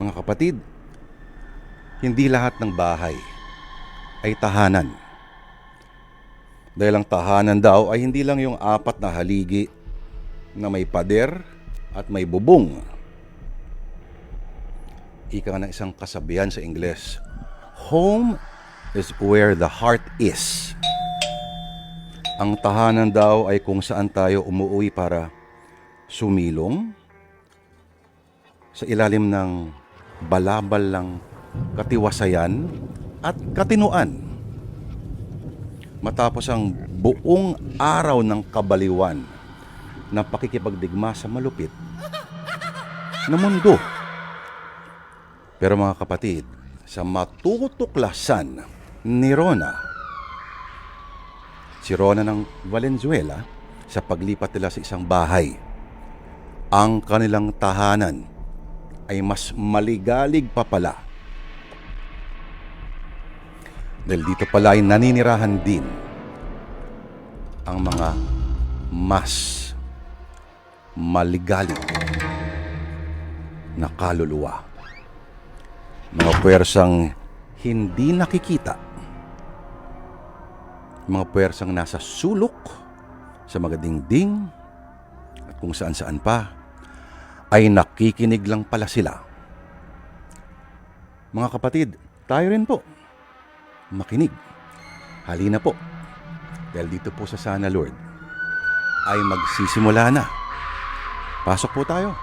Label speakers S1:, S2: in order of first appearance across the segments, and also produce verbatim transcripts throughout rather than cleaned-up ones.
S1: Mga kapatid, hindi lahat ng bahay ay tahanan. Dahil ang tahanan daw ay hindi lang yung apat na haligi na may pader at may bubong. Ika nga ng isang kasabihan sa Ingles, home is where the heart is. Ang tahanan daw ay kung saan tayo umuwi para sumilong sa ilalim ng balabal ng katiwasayan at katinuan. Matapos ang buong araw ng kabaliwan na pakikipagdigma sa malupit na mundo. Pero mga kapatid, sa matutuklasan ni Rona, si Rona ng Valenzuela, sa paglipat nila sa isang bahay, ang kanilang tahanan ay mas maligalig pa pala. Dahil dito pala ay naninirahan din ang mga mas maligalig na kaluluwa. Mga puwersang hindi nakikita. Mga puwersang nasa sulok, sa mga dingding, at kung saan-saan pa, ay nakikinig lang pala sila. Mga kapatid, tayo rin po makinig. Halina po. Dahil dito po sa Sana Lord ay magsisimula na. Pasok po tayo.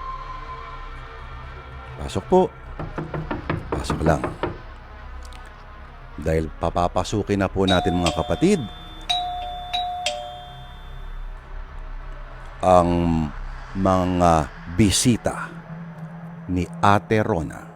S1: Pasok po. Pasok lang. Dahil papapasukin na po natin mga kapatid ang mga bisita ni Ate Rona.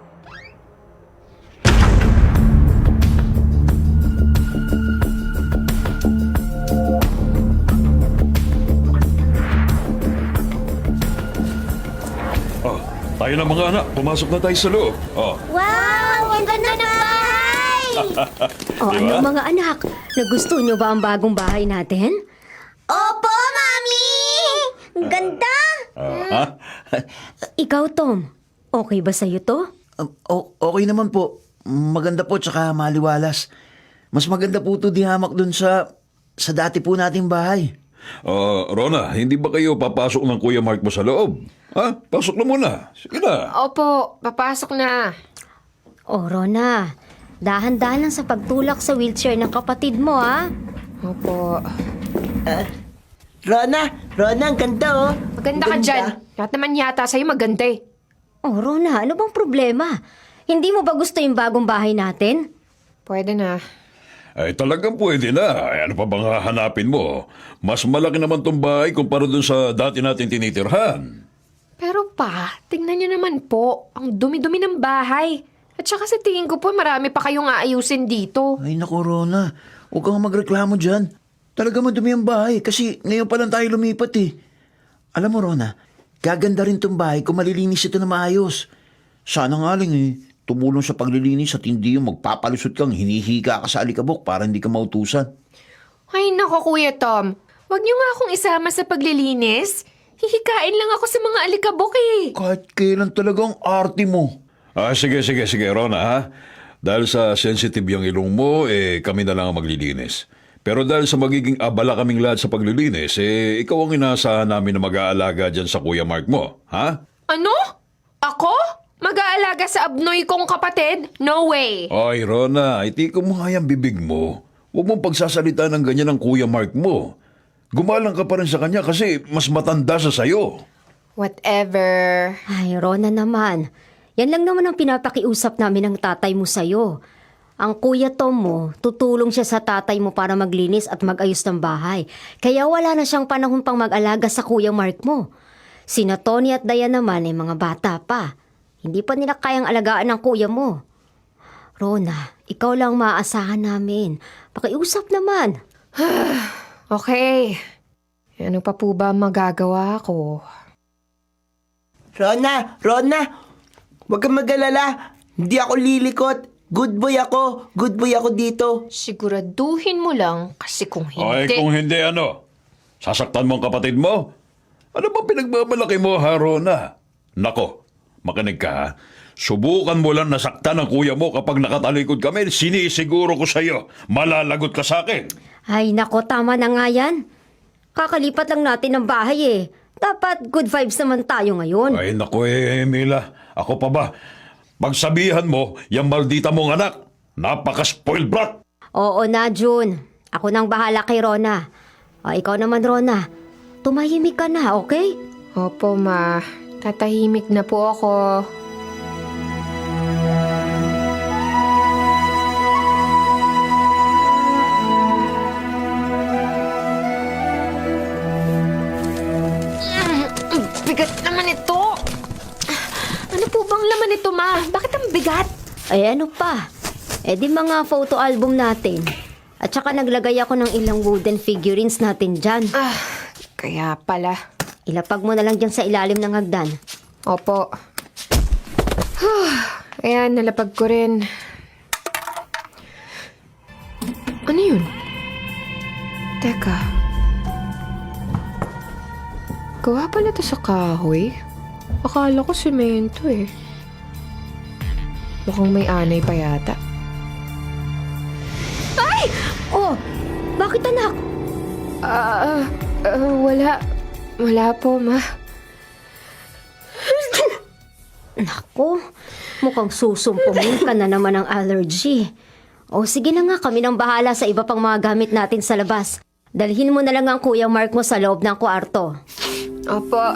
S2: Oh, tayo na mga anak. Pumasok na tayo sa loob. Oh.
S3: Wow! Ang ganda ng bahay!
S4: O
S2: Di
S4: ano
S2: ba?
S4: mga anak, nagusto nyo ba ang bagong bahay natin?
S3: Opo, Mami! Ang ganda!
S2: Ah, ha?
S4: Ikaw, Tom, okay ba sa'yo to?
S5: Um, o- okay naman po. Maganda po tsaka maliwalas. Mas maganda po ito di hamak dun sa sa dati po nating bahay.
S2: Oh, Rona, hindi ba kayo papasok ng Kuya Mark mo sa loob? Ha? Pasok na muna. Sige na.
S6: Opo, papasok na.
S4: O, Rona, dahan-dahan lang sa pagtulak sa wheelchair ng kapatid mo, ha?
S6: Opo.
S7: Rona, Rona, ang ganda oh.
S6: Maganda ka dyan. Lahat naman yata sa'yo maganda eh.
S4: O, Rona, ano bang problema? Hindi mo ba gusto yung bagong bahay natin?
S6: Pwede na.
S2: Ay, talagang pwede na. Ay, ano pa bang hahanapin mo? Mas malaki naman tong bahay kumpara dun sa dati natin tinitirhan.
S6: Pero pa, tingnan niyo naman po. Ang dumi-dumi ng bahay. At saka sa tingin ko po, marami pa kayong aayusin dito.
S5: Ay naku, Rona. Huwag kang magreklamo dyan. Talaga madumi ang bahay kasi ngayon pa lang tayo lumipat eh. Alam mo, Rona, gaganda rin tong bahay kung malilinis ito na maayos. Sana nga lang eh, tumulong sa paglilinis at hindi yung magpapalusot kang hinihiga ka sa alikabok para hindi ka mautusan.
S6: Ay nako, Kuya Tom. Huwag niyo nga akong isama sa paglilinis. Hihikain lang ako sa mga alikabok eh.
S5: Kahit kailan talagang arte mo.
S2: Ah, sige, sige, sige, Rona, ha? Dahil sa sensitive yung ilong mo, eh, kami na lang ang maglilinis. Pero dahil sa magiging abala kaming lahat sa paglilinis, eh, ikaw ang inaasahan namin na mag-aalaga dyan sa Kuya Mark mo, ha?
S6: Ano? Ako? Mag-aalaga sa abnoy kong kapatid? No way.
S2: Ay, Rona, itiko mo nga yung bibig mo. Huwag mong pagsasalita ng ganyan ng Kuya Mark mo. Gumalang ka pa rin sa kanya kasi mas matanda sa sayo.
S6: Whatever.
S4: Ay, Rona naman. Yan lang naman ang pinapakiusap namin ng tatay mo sa'yo. Ang Kuya Tom mo, tutulong siya sa tatay mo para maglinis at mag-ayos ng bahay. Kaya wala na siyang panahon pang mag-alaga sa Kuya Mark mo. Sina Tony at Diane naman ay mga bata pa. Hindi pa nila kayang alagaan ng kuya mo. Rona, ikaw lang maaasahan namin. Pakiusap naman.
S6: Okay. Ano pa po ba magagawa ko?
S7: Rona, Rona, huwag kang mag-alala. Hindi ako lilikot. Good boy ako. Good boy ako dito.
S6: Siguraduhin mo lang kasi kung
S2: Ay,
S6: hindi...
S2: kung hindi ano? Sasaktan mo ang kapatid mo? Ano ba pinagmamalaki mo, ha, Rona? Nako, makinig ka, ha? Subukan mo lang nasaktan ng kuya mo kapag nakatalikod kami. Sinisiguro ko sa'yo, malalagot ka sa akin.
S4: Ay nako, tama na nga yan. Kakalipat lang natin ng bahay eh. Dapat good vibes naman tayo ngayon.
S2: Ay naku eh, Mila. Ako pa ba? Pagsabihan mo, yung maldita mong anak, napaka-spoiled brat.
S4: Oo na, June. Ako nang bahala kay Rona. O, ikaw naman, Rona. Tumahimik ka na, okay?
S6: Opo, ma. Tatahimik na po ako. Ang bigat naman ito. Ano po bang laman nito, ma? Bakit ang bigat?
S4: Ay, ano pa? Eh di mga photo album natin. At saka naglagay ako ng ilang wooden figurines natin dyan.
S6: Ah, kaya pala.
S4: Ilapag mo na lang dyan sa ilalim ng hagdan.
S6: Opo. Ayan, nalapag ko rin. Ano yun? Teka. Gawa pala to sa kahoy. Akala ko semento eh. Mukhang may anay pa yata.
S4: Oh, bakit anak?
S6: Ah, ah, wala. Wala po, ma.
S4: Nako, mukhang susumpungin ka na naman ng allergy. O sige na nga, kami nang bahala sa iba pang mga gamit natin sa labas. Dalhin mo na lang ang Kuya Mark mo sa loob ng kwarto.
S6: Opo.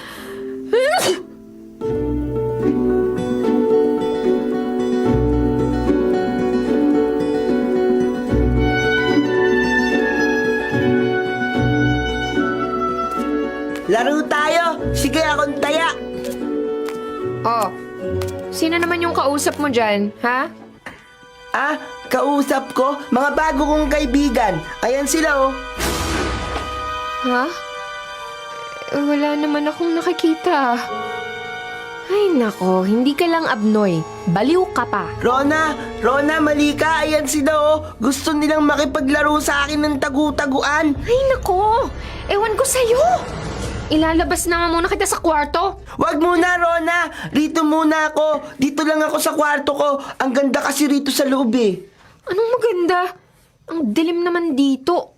S7: Laro tayo! Sige, akong taya!
S6: Oh, sino naman yung kausap mo dyan, ha?
S7: Ah, kausap ko, mga bago kong kaibigan. Ayan sila oh.
S6: Ha? Eh, wala naman akong nakikita. Ay nako, hindi ka lang abnoy. Baliw ka pa.
S7: Rona, Rona, mali ka. Ayan sila oh. Gusto nilang makipaglaro sa akin ng tagu-taguan.
S6: Ay nako, ewan ko sa'yo. Ilalabas na nga muna kita sa kwarto.
S7: Wag muna, Rona. Rito muna ako. Dito lang ako sa kwarto ko. Ang ganda kasi rito sa loob eh.
S6: Anong maganda? Ang dilim naman dito.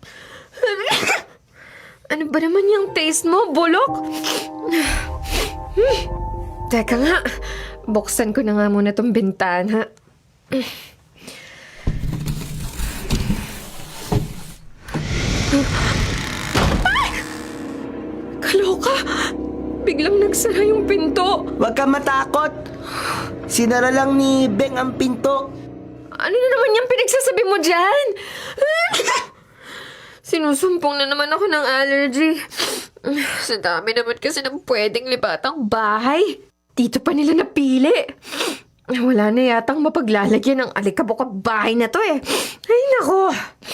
S6: Ano ba naman yung taste mo, bulok? Hmm. Teka nga, buksan ko na nga muna tong bintana. Ay! Kaloka! Biglang nagsara yung pinto.
S7: Wag ka matakot. Sinara lang ni Beng ang pinto.
S6: Ano na naman yung pinagsasabi mo dyan? Sinusumpong na naman ako ng allergy. Sa dami naman kasi ng pwedeng libatang bahay. Dito pa nila napili. Wala na yatang mapaglalagyan ng alikabok at bahay na to eh. Ay nako.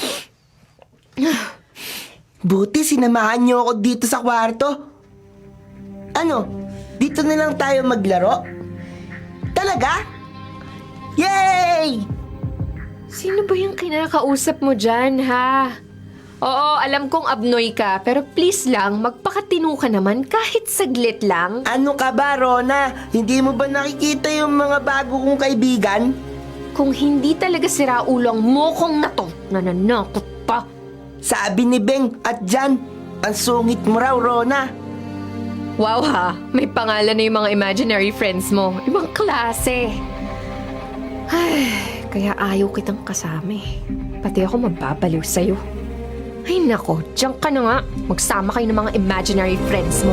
S7: Buti sinamahan niyo ako dito sa kwarto. Ano? Dito na lang tayo maglaro? Talaga? Yay!
S6: Sino ba yung kinakausap mo dyan, ha? Oo, alam kong abnoy ka, pero please lang, magpakatino ka naman kahit saglit lang.
S7: Ano ka ba, Rona? Hindi mo ba nakikita yung mga bago kong kaibigan?
S6: Kung hindi talaga sira ulo ang mokong na to, nananakot pa.
S7: Sabi ni Beng at Jan, ang sungit mo raw, Rona.
S6: Wow ha, may pangalan na yung mga imaginary friends mo. Ibang klase. Ay, kaya ayaw kitang kasama eh. Pati ako mababaliw sa'yo. Ay nako, diyan ka na nga. Magsama kayo ng mga imaginary friends mo.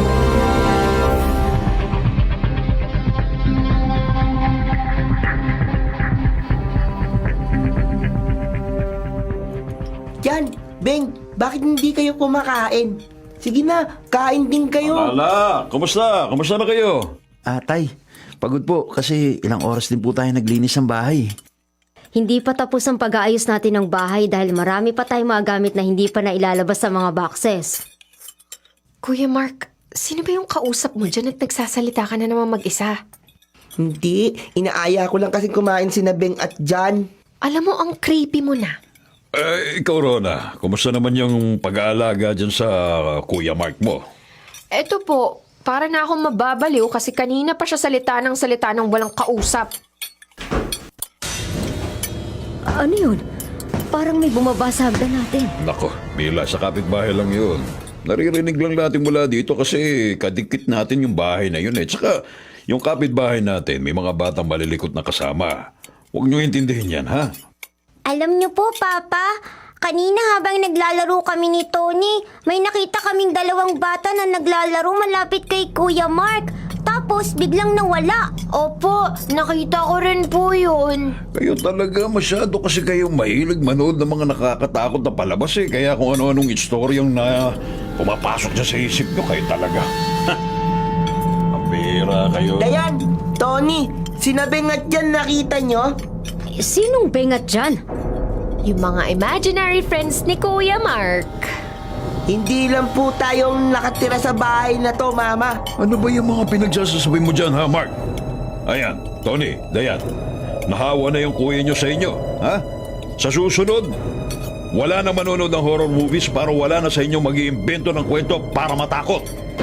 S7: Jan, Beng, bakit hindi kayo kumakain? Sige na, kain din kayo.
S2: Lala, kumusta? Kumusta na kayo?
S5: Ah, tay, pagod po kasi ilang oras din po tayo naglinis ng bahay.
S4: Hindi pa tapos ang pag-aayos natin ng bahay dahil marami pa tayong mga gamit na hindi pa nailalabas sa mga boxes.
S6: Kuya Mark, sino ba yung kausap mo dyan at nagsasalita ka na naman mag-isa?
S7: Hindi, inaaya ko lang kasi kumain si Beng at Jan.
S6: Alam mo, ang creepy mo na.
S2: Eh, ikaw, Rona, kumusta naman yung pag-aalaga dyan sa uh, Kuya Mark mo?
S6: Eto po, para na akong mababaliw kasi kanina pa siya salita ng salita ng walang kausap.
S4: Ano yun? Parang may bumaba sa hagdan natin.
S2: Nako, Mila, sa kapitbahay lang yun. Naririnig lang natin mula dito kasi kadikit natin yung bahay na yun eh. Tsaka yung kapitbahay natin, may mga batang malilikot na kasama. Huwag niyo intindihin yan, ha?
S3: Alam niyo po, Papa, kanina habang naglalaro kami ni Tony, may nakita kaming dalawang bata na naglalaro malapit kay Kuya Mark. Tapos biglang nawala.
S6: Opo, nakita ko rin po yun.
S2: Kayo talaga masyado kasi kayong mahilig manood ng mga nakakatakot na palabas eh. Kaya kung ano-anong istoryang na pumapasok dyan sa isip nyo, kayo talaga. Ang bira kayo.
S7: Dayan, Tony, sinabi nga dyan nakita nyo?
S4: Sinong bengat dyan?
S6: Yung mga imaginary friends ni Kuya Mark.
S7: Hindi lang po tayong nakatira sa bahay na to, Mama.
S2: Ano ba yung mga pinagsasasabi mo dyan, ha, Mark? Ayan, Tony, Dayan, nahawa na yung kuya nyo sa inyo, ha? Sa susunod, wala na manonood ng horror movies para wala na sa inyo mag-iimbento ng kwento para matakot.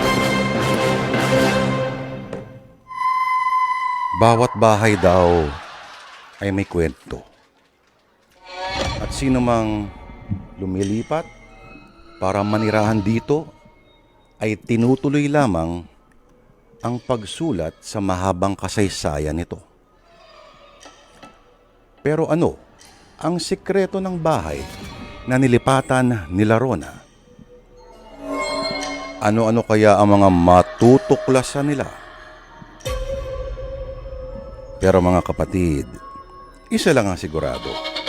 S1: Bawat bahay daw ay may kwento. At sino mang lumilipat para manirahan dito ay tinutuloy lamang ang pagsulat sa mahabang kasaysayan nito. Pero ano ang sikreto ng bahay na nilipatan nila Rona? Ano-ano kaya ang mga matutuklasan nila? Pero mga kapatid, isa lang ang sigurado.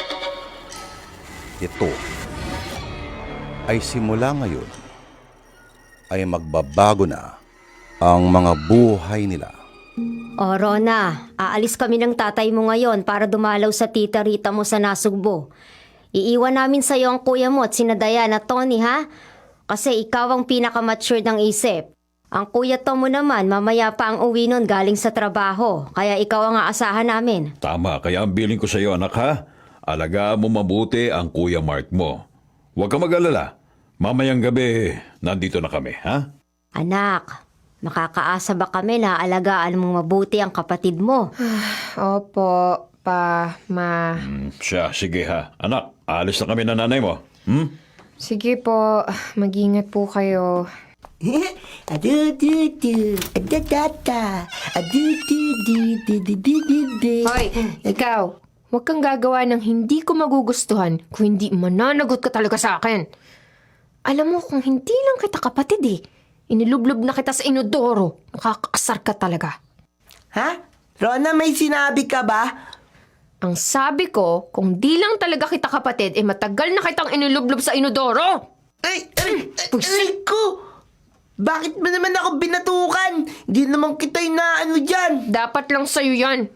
S1: Ito ay simula ngayon ay magbabago na ang mga buhay nila.
S4: O Rona, aalis kami ng tatay mo ngayon para dumalaw sa tita Rita mo sa Nasugbo. Iiwan namin sa iyo ang kuya mo at sina Dayan at Tony, ha? Kasi ikaw ang pinaka-mature ng isip. Ang kuya Tom mo naman, mamaya pa ang uwi nun galing sa trabaho. Kaya ikaw ang aasahan namin.
S2: Tama, kaya ang bilin ko sa iyo, anak, ha? Alagaan mo mabuti ang Kuya Mark mo. Huwag ka mag-alala. Mamayang gabi, nandito na kami, ha?
S4: Anak, makakaasa ba kami na alagaan mong mabuti ang kapatid mo?
S6: Opo, pa, ma.
S2: Hmm, siya, sige ha. Anak, alis na kami na nanay mo. Hmm?
S6: Sige po, mag-ingat po kayo.
S7: Adu-du-du, adadata, adu-du-du-du-du-du-du.
S6: Hoy, ikaw, huwag kang gagawa ng hindi ko magugustuhan kung hindi mananagot ka talaga sa akin. Alam mo, kung hindi lang kita kapatid eh, inilublob na kita sa inodoro. Nakakaasar ka talaga.
S7: Ha? Rona, may sinabi ka ba?
S6: Ang sabi ko, kung di lang talaga kita kapatid, eh matagal na kitang inilublob sa inodoro.
S7: Ay, ay, ay, ay ko! Bakit ba naman ako binatukan? Hindi naman kita inaano dyan.
S6: Dapat lang sa'yo yan.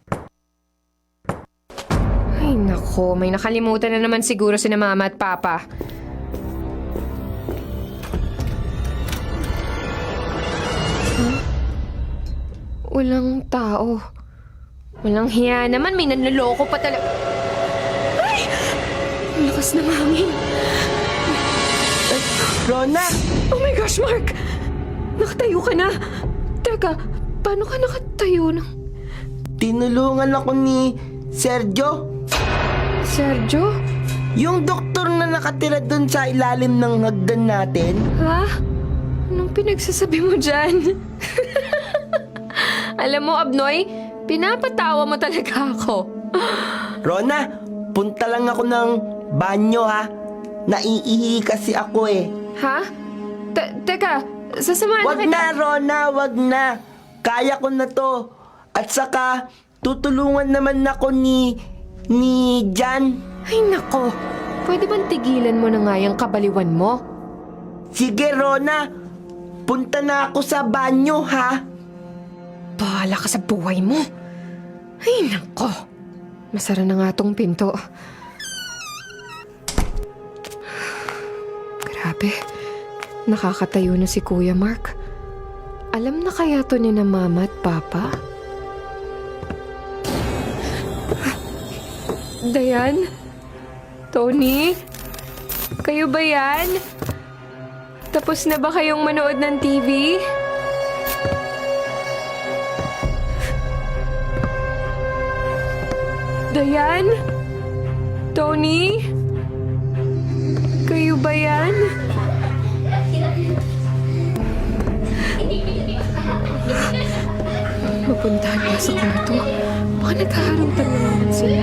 S6: Ay nako, may nakalimutan na naman siguro si na mama at papa. Huh? Walang tao. Walang hiya naman, may nanloloko pa talaga. Ay! Ang lakas ng hangin.
S7: Rona!
S6: Oh my gosh, Mark! Nakatayo ka na. Teka, paano ka nakatayo ng...
S7: Tinulungan ako ni Sergio.
S6: Sergio?
S7: Yung doktor na nakatira dun sa ilalim ng hagdan natin.
S6: Ha? Anong pinagsasabi mo dyan? Alam mo, Abnoy, pinapatawa mo talaga ako.
S7: Rona, punta lang ako ng banyo ha. Naiihi kasi ako eh.
S6: Ha? Te- teka, sasamahan
S7: Wag
S6: na kita.
S7: na, Rona, wag na. Kaya ko na to. At saka, tutulungan naman ako ni... ni Jan.
S6: Ay nako, pwede bang tigilan mo na nga yung kabaliwan mo?
S7: Sige, Rona. Punta na ako sa banyo, ha?
S6: Bahala ka sa buhay mo. Ay nako, masara na nga tong pinto. Grabe, nakakatayo na si Kuya Mark. Alam na kaya to ni na mama at papa? Dayan? Tony? Kayo ba yan? Tapos na ba kayong manood ng T V? Dayan? Tony? Kayo ba yan? Mapuntahan ka sa kwarto. Baka nagkaharuntan na naman sila.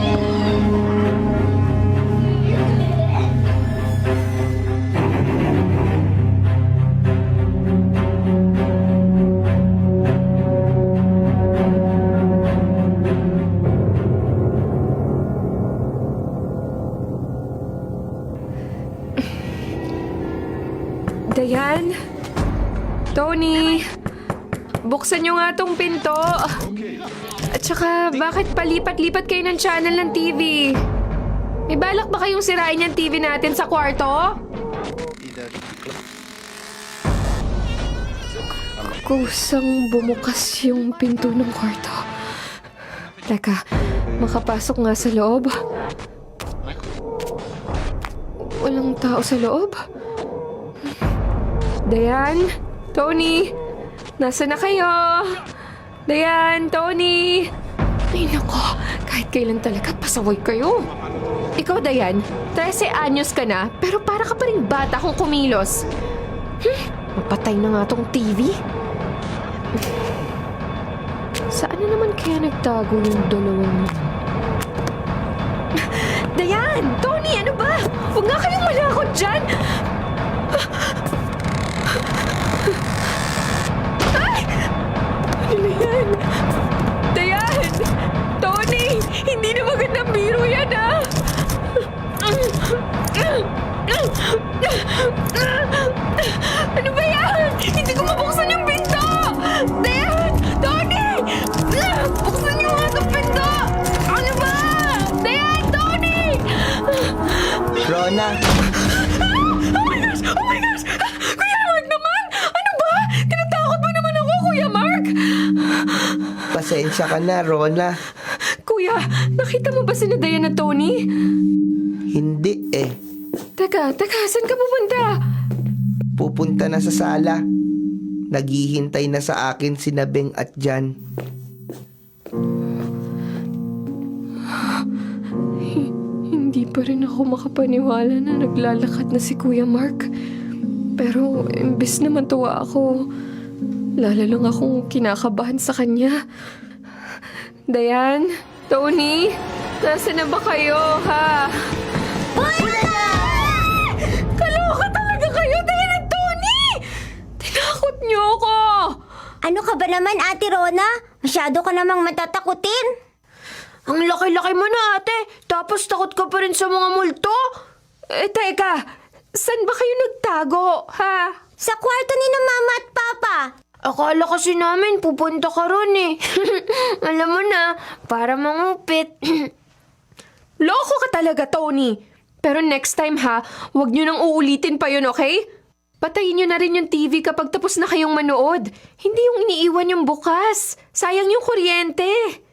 S6: Dayan? Tony? Buksan niyo nga tong pinto. At saka, bakit palipat-lipat kayo ng channel ng T V? May balak ba kayong sirain yung T V natin sa kwarto? Kusang bumukas yung pinto ng kwarto. Teka, makapasok nga sa loob. Walang tao sa loob. Dayan? Tony? Nasa na kayo? Dayan? Tony? Ay nako, kahit kailan talaga pasaway kayo. Ikaw, Dayan, trese anyos ka na, pero para ka pa rin bata kung kumilos. Hmm, mapatay na nga tong T V. Saan na naman kaya nagtago yung dalawang... Dayan! Tony, ano ba? Huwag nga kayong malakot dyan! Ay! Ano na yan? Dayan! Tony! Hindi na magandang biro yan, ah! Ano ba yan? Hindi ko mabuksan yung pinto! Dayan! Tony! Buksan niyo nga itong pinto! Ano ba? Dayan! Tony!
S7: Rona,
S6: Oh my gosh! Oh my gosh! Kuya Mark naman! Ano ba? Tinatakot mo naman ako, Kuya Mark!
S7: pasensya ka na, Rona.
S6: Kuya, nakita mo ba si Dayan at Tony?
S7: Hindi eh.
S6: Teka, teka, saan ka pupunta?
S7: Pupunta na sa sala. Naghihintay na sa akin si Nabeng at Jan.
S6: Hindi pa rin ako makapaniwala na naglalakad na si Kuya Mark. Pero imbes na matuwa ako, lalo lang akong kinakabahan sa kanya. Dayan, Tony, nasa na ba kayo, ha? Kaloka talaga kayo, Dayan at Tony! Tinakot niyo ako!
S3: Ano ka ba naman, Ate Rona? Masyado ka namang matatakutin.
S6: Ang laki-laki mo na, ate. Tapos takot ka pa rin sa mga multo? Eh, teka. Saan ba kayo nagtago, ha?
S3: Sa kwarto ni na Mama at Papa.
S6: Akala kasi namin pupunta ka ron eh. Alam mo na, para mangupit. Loko ka talaga, Tony. Pero next time ha, huwag nyo nang uulitin pa yun, okay? Patayin nyo na rin yung T V kapag tapos na kayong manood. Hindi yung iniiwan yung bukas. Sayang yung kuryente.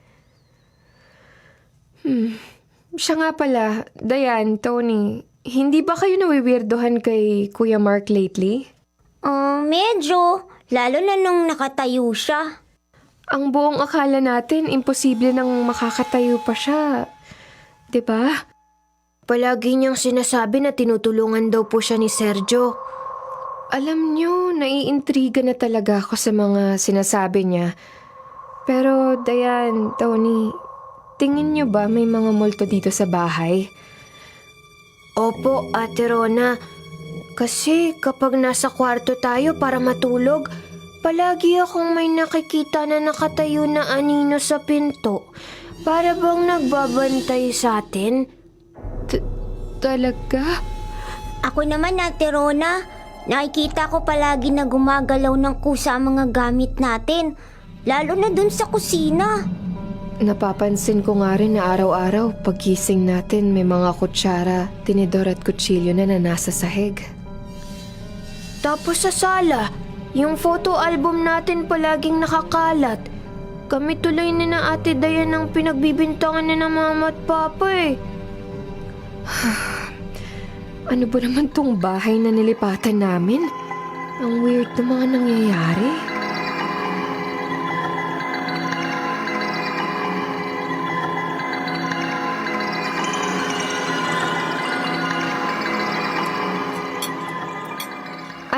S6: Hmm. Siya nga pala, Dayan, Tony, hindi ba kayo nawiwirdohan kay Kuya Mark lately?
S3: Oh, medyo. Lalo na nung nakatayo siya.
S6: Ang buong akala natin, imposible nang makakatayo pa siya. 'Di ba?
S4: Palagi niyang sinasabi na tinutulungan daw po siya ni Sergio.
S6: Alam niyo, naiintriga na talaga ako sa mga sinasabi niya. Pero, Dayan, Tony, tingin niyo ba may mga multo dito sa bahay?
S4: Opo, Ate Rona. Kasi kapag nasa kwarto tayo para matulog, palagi akong may nakikita na nakatayo na anino sa pinto. Para bang nagbabantay sa atin?
S6: T- talaga?
S3: Ako naman, Ate Rona, nakikita ko palagi na gumagalaw ng kusa ang mga gamit natin. Lalo na dun sa kusina.
S6: Napapansin ko nga rin na araw-araw paggising natin may mga kutsara, tinidor at kutsilyo na na nasa sahig.
S4: Tapos sa sala, yung photo album natin palaging nakakalat. Kami tuloy ni na Ate Dayan ang pinagbibintangan ni na Mama at Papa eh.
S6: Ano ba naman tong bahay na nilipatan namin? Ang weird na mga nangyayari.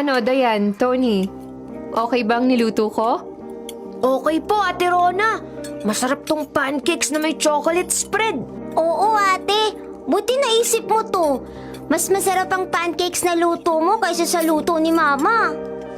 S6: Ano, Dayan, Tony? Okay bang niluto ko?
S4: Okay po, Ate Rona. Masarap tong pancakes na may chocolate spread.
S3: Oo, ate. Buti naisip mo to. Mas masarap ang pancakes na luto mo kaysa sa luto ni Mama.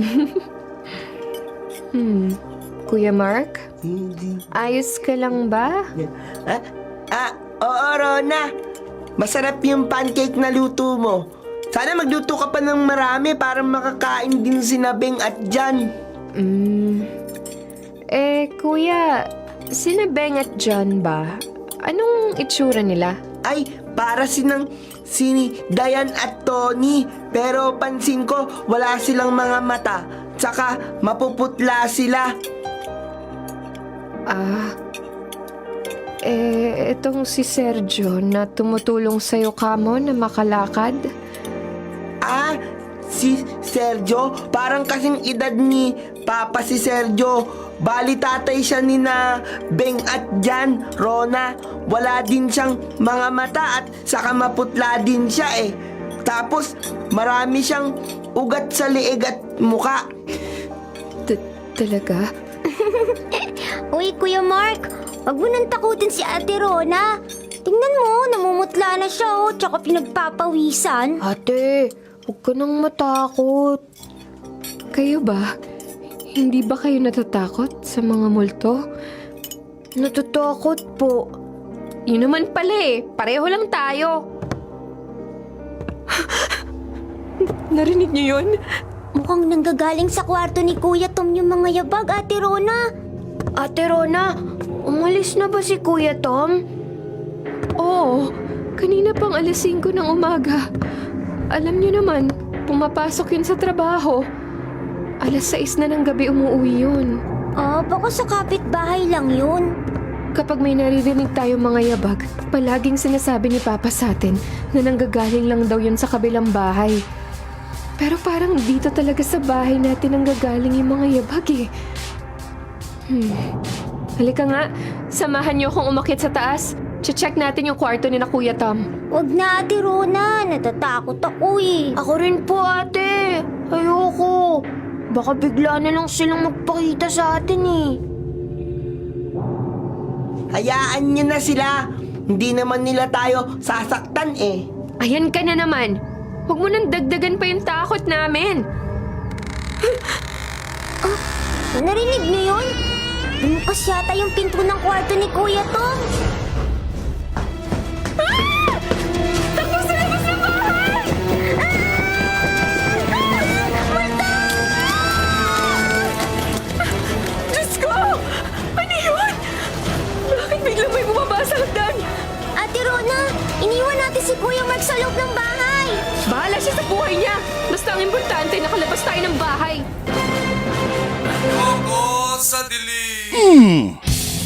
S6: Hmm. Kuya Mark?
S7: Hindi.
S6: Ayos ka lang ba?
S7: Ah, ah, oo, Rona. Masarap yung pancake na luto mo. Sana magluto ka pa ng marami para makakain din si Nabeng at Jan.
S6: Hmm. Eh, kuya, sina Beng at John ba? Anong itsura nila?
S7: Ay, para sinang si Dayan at Tony. Pero pansin ko, wala silang mga mata. Tsaka mapuputla sila.
S6: Ah, eh, itong si Sergio na tumutulong sa'yo kamo na makalakad?
S7: Ah, si Sergio, parang kasing edad ni Papa si Sergio. Bali tatay siya ni na Beng at Jan, Rona. Wala din siyang mga mata at saka maputla din siya eh. Tapos marami siyang ugat sa leeg at muka.
S6: T- talaga?
S3: Uy, Kuya Mark, wag mo nang takutin si Ate Rona. Tingnan mo, namumutla na siya oh, tsaka pinagpapawisan.
S6: Ate, huwag ka nang matakot. Kayo ba? Hindi ba kayo natatakot sa mga multo?
S4: Natatakot po.
S6: Yun naman pala eh. Pareho lang tayo. Narinig niyo yun?
S3: Mukhang nanggagaling sa kwarto ni Kuya Tom yung mga yabag, Ate Rona.
S4: Ate Rona, umalis na ba si Kuya Tom?
S6: Oo. Kanina pang alas singko ng umaga. Alam niyo naman, pumapasok yun sa trabaho. Alas sais na ng gabi umuwi yun.
S3: Ah, baka sa kapitbahay lang yun.
S6: Kapag may naririnig tayo mga yabag, palaging sinasabi ni Papa sa atin na nanggagaling lang daw yun sa kabilang bahay. Pero parang dito talaga sa bahay natin nanggagaling yung mga yabag eh. Hmm. Halika nga, samahan niyo akong umakyat sa taas. Che-check natin yung kwarto ni na Kuya Tom.
S3: Wag na, Ate Rona. Natatakot ako eh.
S4: Ako rin po, ate. Ayoko. Baka bigla na lang silang magpakita sa atin eh.
S7: Hayaan niyo na sila. Hindi naman nila tayo sasaktan eh.
S6: Ayan ka na naman. Huwag mo nang dagdagan pa yung takot namin.
S3: Narinig niyo yun? Bumukas yata yung pinto ng kwarto ni Kuya Tom.
S6: Diyos ko! Ano yun? Bakit biglang may bumaba sa hagdan?
S3: Ate Rona, iniwan natin si Kuya Mark sa loob ng bahay.
S6: Bahala siya sa buhay niya. Basta ang importante, nakalabas tayo ng bahay.
S8: Oo, sa dilim.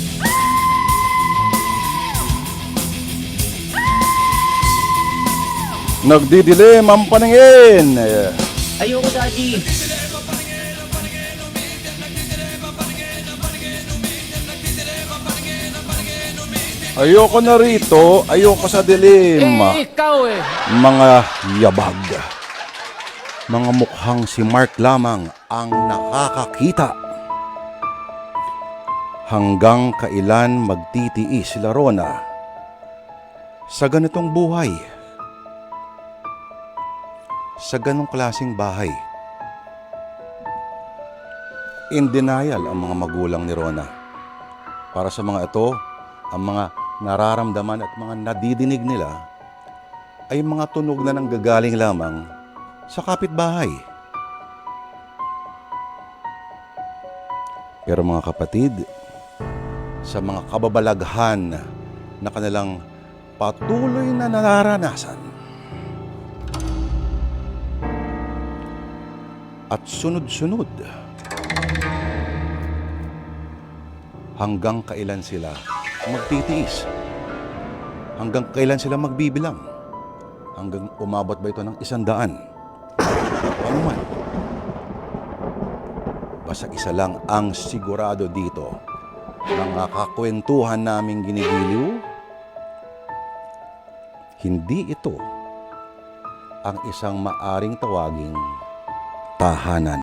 S1: Nagdidilim ang paningin.
S5: Ayoko, Daddy.
S1: Ayoko na rito, ayoko sa dilim.
S8: ikaw eh.
S1: Mga yabag. Mga mukhang si Mark lamang ang nakakakita. Hanggang kailan magtitiis sila Rona sa ganitong buhay? Sa ganong klaseng bahay? In denial ang mga magulang ni Rona. Para sa mga ito, ang mga nararamdaman at mga nadidinig nila ay mga tunog na nanggagaling lamang sa kapitbahay. Pero mga kapatid, sa mga kababalaghan na kanilang patuloy na nararanasan at sunod-sunod, hanggang kailan sila magtitiis? Hanggang kailan sila magbibilang? Hanggang umabot ba ito ng isang daan? Ano man? Basta isa lang ang sigurado dito. Mga kakwentuhan naming ginigiliw, hindi ito ang isang maaring tawaging tahanan.